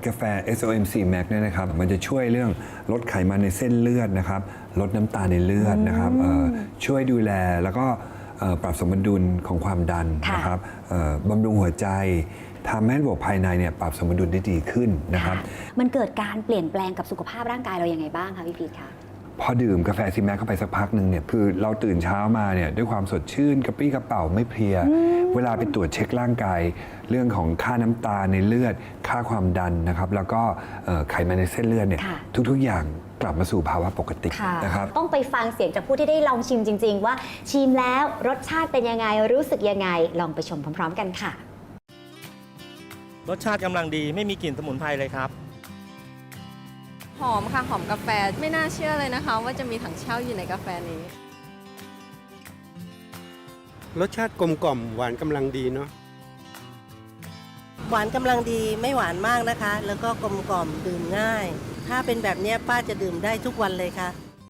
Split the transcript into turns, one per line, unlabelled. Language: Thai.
กาแฟ SOMC Max เนี่ยนะครับมันจะช่วยเรื่องลดไขมันในเส้นเลือดนะครับลดน้ำตาลในเลือดนะครับช่วยดูแลแล้วก็ปรับสมดุลของความดันนะครับบำรุงหัวใจทำให้ระบบภายในเนี่ยปรับสมดุลได้ดีขึ้นนะครับ
มันเกิดการเปลี่ยนแปลงกับสุขภาพร่างกายเรายังไงบ้างคะพี่พีทคะ
พอดื่มกาแฟซีแม็กเข้าไปสักพักหนึ่งเนี่ยคือเราตื่นเช้ามาเนี่ยด้วยความสดชื่นกระปรี้กระเป๋าไม่เพลียเวลาไปตรวจเช็คร่างกายเรื่องของค่าน้ำตาลในเลือดค่าความดันนะครับแล้วก็ไขมันในเส้นเลือดเนี่ยทุกๆอย่างกลับมาสู่ภาวะปกตินะครับ
ต้องไปฟังเสียงจากผู้ที่ได้ลองชิมจริงๆว่าชิมแล้วรสชาติเป็นยังไงรู้สึกยังไงลองไปชมพร้อมๆกันค่ะ
รสชาติกำลังดีไม่มีกลิ่นสมุนไพรเลยครับ
หอมค่ะหอมกาแฟไม่น่าเชื่อเลยนะคะว่าจะมีถังเช่าอยู่ในกาแฟนี้
รสชาติกลมกล่อมหวานกำลังดีเนาะ
หวานกำลังดีไม่หวานมากนะคะแล้วก็กลมกล่อมดื่มง่ายถ้าเป็นแบบนี้ป้าจะดื่มได้ทุกวันเลยค่ะ